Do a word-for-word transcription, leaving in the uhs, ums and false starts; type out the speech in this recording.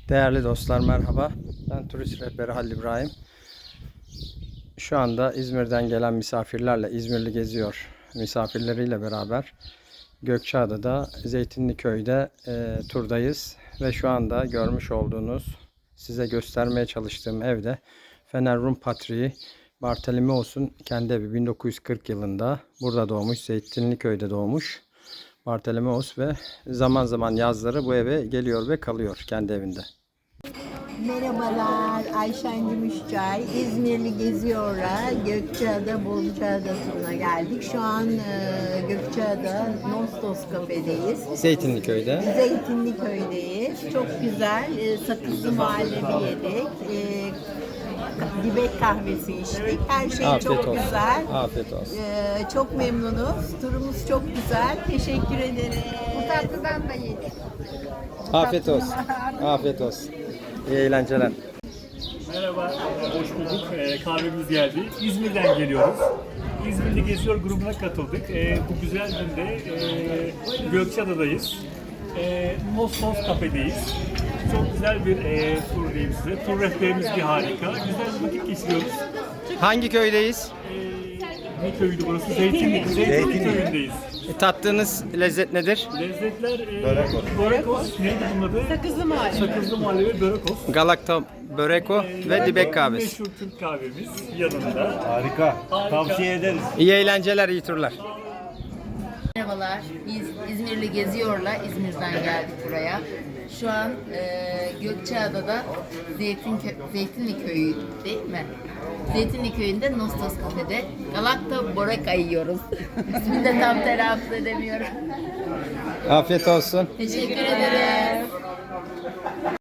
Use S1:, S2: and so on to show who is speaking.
S1: Değerli dostlar merhaba. Ben turist rehberi Halil İbrahim. Şu anda İzmir'den gelen misafirlerle İzmirli geziyor misafirleriyle beraber Gökçeada'da Zeytinliköy'de e, turdayız ve şu anda görmüş olduğunuz size göstermeye çalıştığım evde Fener Rum Patriği Bartolomeos'un kendi evi. bin dokuz yüz kırk yılında burada doğmuş, Zeytinliköy'de doğmuş Bartolomeos ve zaman zaman yazları bu eve geliyor ve kalıyor kendi evinde.
S2: Merhabalar, Ayşen Gümüşçay. İzmirli Geziyor'a Gökçeada, Bolucaada turuna geldik. Şu an e, Gökçeada Nostos Kafe'deyiz.
S1: Zeytinliköy'de.
S2: Zeytinliköy'deyiz. Çok güzel, e, sakızlı muhallebi yedik. E, dibek kahvesi içtik. Her şey
S1: Afiyet
S2: çok
S1: olsun.
S2: güzel.
S1: Afiyet olsun.
S2: E, çok memnunuz. Turumuz çok güzel. Teşekkür ederim.
S3: Bu tatlıdan da yedik.
S1: Afiyet olsun. Afiyet olsun. İyi eğlenceler.
S4: Merhaba, hoş bulduk. Ee, kahvemiz geldi. İzmir'den geliyoruz. İzmir'de Geziyor grubuna katıldık. Ee, bu güzel günde e, Gökçeada'dayız. E, Nostos Kafe'deyiz. Çok güzel bir e, tur diyeyim size. Tur rehberimiz bir harika. Güzel bir vakit geçiriyoruz.
S1: Hangi köydeyiz?
S4: E, ne köyüydü burası? Zeytinlik. Zeytinlik köyündeyiz.
S1: E, tattığınız lezzet nedir?
S4: Lezzetler e, börekos. Börekos. Neydi bunun adı? Sakızlı muhallebi. Sakızlı muhallebi börekos.
S1: Galakta böreko ve dibek kahvesi.
S4: Meşhur Türk kahvemiz yanında.
S5: Harika. Tavsiye ederiz.
S1: İyi eğlenceler, iyi turlar.
S6: Merhabalar, biz İzmirli Geziyor'la İzmir'den geldik buraya. Şu an e, Gökçeada'da Zeytin Zeytinli Köyü değil mi? Zeytinli Köyü'nde Nostos Kafe'de Galakta Boreka yiyoruz. İsmini de tam telaffuz edemiyorum.
S1: Afiyet olsun.
S6: Teşekkür ederim.